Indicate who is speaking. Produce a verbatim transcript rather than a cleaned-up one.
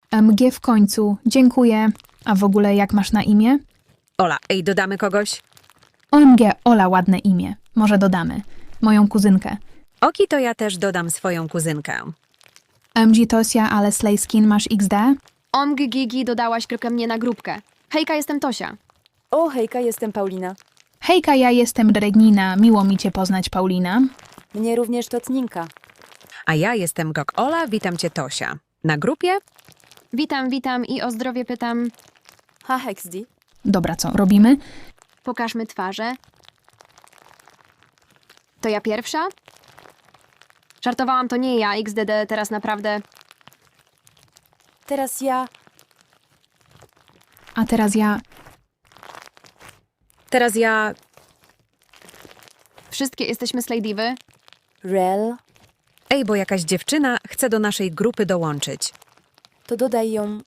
Speaker 1: M G w końcu, dziękuję. A w ogóle jak masz na imię?
Speaker 2: Ola, ej, dodamy kogoś?
Speaker 1: O M G, Ola, ładne imię. Może dodamy. Moją kuzynkę.
Speaker 2: Oki, to ja też dodam swoją kuzynkę.
Speaker 1: M G Tosia, ale Slayskin, masz X D?
Speaker 3: Omg Gigi dodałaś tylko mnie na grupkę. Hejka, jestem Tosia.
Speaker 4: O, hejka, jestem Paulina.
Speaker 1: Hejka, ja jestem Regnina. Miło mi cię poznać, Paulina.
Speaker 4: Mnie również Totninka.
Speaker 2: A ja jestem Gok Ola, witam cię Tosia. Na grupie?
Speaker 3: Witam, witam i o zdrowie pytam.
Speaker 4: Ha, Hexdi.
Speaker 1: Dobra, co, robimy?
Speaker 3: Pokażmy twarze. To ja pierwsza? Żartowałam, to nie ja, X D D, teraz naprawdę.
Speaker 4: Teraz ja.
Speaker 1: A teraz ja...
Speaker 2: Teraz ja...
Speaker 3: Wszystkie jesteśmy Sladiwy.
Speaker 4: Rel.
Speaker 2: Ej, bo jakaś dziewczyna chce do naszej grupy dołączyć.
Speaker 4: To dodaj ją